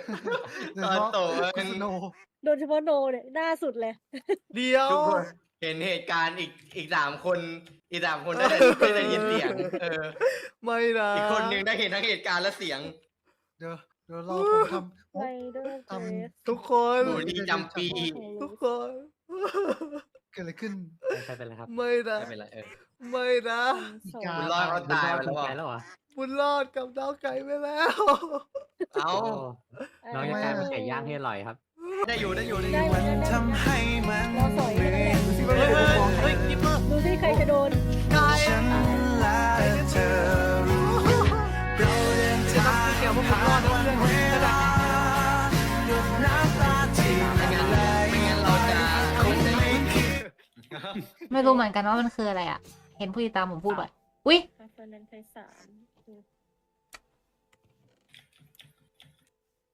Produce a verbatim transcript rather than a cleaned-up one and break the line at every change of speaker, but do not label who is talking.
ตอนโตคุณโน
โดยเฉพาะโนเนี่ยหน้าสุดเลย
เดียว
ทุกคนเห็นเหตุการณ์อีกอีกสามคนอีกสามคนได้ได้ได้ยินเสียงเออ
ไม่นะ
อีกคนหนึ่งได้เห็นทั้งเหตุการณ์และเสียง
เดี๋ยวเดี๋ยวรอผมทำ
ไรเดอร์
ทำ
เฟส
ทุกคน
บูดีจำปี
ทุกคน
เกิดอะไรขึ้น
ใครเป็นไรครับ
ไม่นะ
ไม่เป็นไรเออ
ไม่นะ
สอง
อีกา
บุญรอดเขาตายไปแล้ว
ไป
อ่ะ
แล้วเหรอ
บุญรอดกับน้องไก่ไปแล้ว
เอ้า
โอ้น้องจะกลายเป็นไก่ย่างที่อร่อยครับ
ได้อยู่ได้อยู่ได้อ
ได้
ยู่
เหมือนกันได้เหมือนกันรอสอยอยู่นั่นแหละ
เฮ้ยเฮ้ยเฮ้ยกิปเปอร์
ดูสิใครจะโดน
กาย
ฉันและเธอรู้เราเดินทาง
เกี่ยวกับบุญรอดนะเพื่อน
เวลาหยดน้ำตาที่
ไม่งั้น
ไหล
ไม่งั้นเราจะคงไม่คิด
ไม่รู้เหมือนกันว่ามันคืออะไรอ่ะ เห็นผู้ติดตามผมพูดบ่อยอุ้ย
คาเฟนันไทสาม